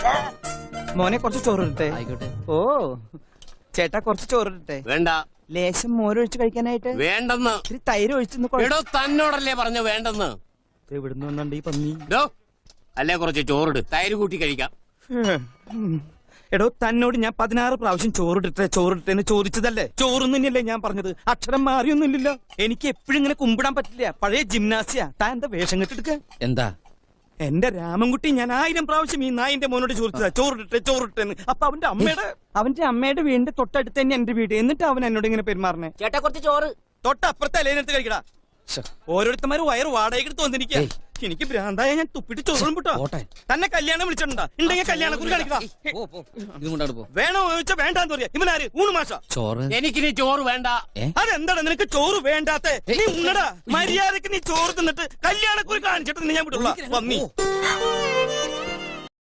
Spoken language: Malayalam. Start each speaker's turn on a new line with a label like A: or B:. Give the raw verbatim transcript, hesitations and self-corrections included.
A: മോനെ കുറച്ച് ചോറിട്ടെ.
B: ആയിക്കോട്ടെ.
A: ഓ ചേട്ടാ കുറച്ച് ചോറിട്ടെ.
C: വേണ്ട.
A: ലേശം മോരൊഴിച്ച് കഴിക്കാനായിട്ട്.
C: വേണ്ടെന്ന്.
A: ഇത്തിരി തൈര് ഒഴിച്ചു.
C: എടോ തന്നോടല്ലേ പറഞ്ഞു വേണ്ടെന്ന്.
A: എവിടുന്ന് വന്നുണ്ട് ഈ പന്നി?
C: അല്ലേ കുറച്ച് ചോറിട്, തൈര് കൂട്ടി കഴിക്കാം.
A: എടോ തന്നോട് ഞാൻ പതിനാറ് പ്രാവശ്യം ചോറിട്ടെ ചോറിട്ടെന്ന് ചോദിച്ചതല്ലേ? ചോറൊന്നും തന്നെയല്ലേ ഞാൻ പറഞ്ഞത്? അക്ഷരം മാറിയൊന്നുമില്ലല്ലോ. എനിക്ക് എപ്പോഴും ഇങ്ങനെ കുമ്പിടാൻ പറ്റില്ല. പഴയ ജിംനാസിയ. താൻ എന്താ വേഷം കെട്ടെടുക്ക?
B: എന്താ
A: എന്റെ രാമൻകുട്ടി ഞാൻ ആയിരം പ്രാവശ്യം ഈ നായിന്റെ മോനോട് ചോദിച്ചതാ ചോറിട്ടെ ചോറിട്ടെന്ന്. അപ്പൊ അവന്റെ അമ്മയുടെ അവന്റെ അമ്മയുടെ വീടിന്റെ തൊട്ടടുത്ത് തന്നെ എന്റെ വീട്. എന്നിട്ട് അവൻ എന്നോട് ഇങ്ങനെ പെരുമാറണേ.
B: ചേട്ടാ കുറച്ച് ചോറ്.
A: തൊട്ടപ്പുറത്തെ അലേനെടുത്ത് കഴിക്കടാ. ഓരോരുത്തന്മാര് വയറ് വാടകയ്ക്ക് തോന്നിരിക്കുക. എനിക്ക് ഭ്രാന്തായ ഞാൻ തുപ്പിട്ട് ചോറും വിട്ടോ. തന്നെ കല്യാണം വിളിച്ചിട്ടുണ്ടാ? ഉണ്ടെങ്കിൽ കല്യാണം കുറി കാണിക്കടാ. വേണോ ചോദിച്ചാ വേണ്ടാന്ന് പറയാ. ഇവനാര്? ഊണ് മാഷ.
B: ചോറ്.
C: എനിക്കിനി ചോറ് വേണ്ട.
A: അതെന്താടാ നിനക്ക് ചോറ് വേണ്ടാത്തെ? നീ ഉണ്ണടാ. മര്യാദക്ക് നീ ചോറ് തിന്നിട്ട് കല്യാണക്കുറി കാണിച്ചിട്ട് ഞാൻ വിട്ടുള്ള.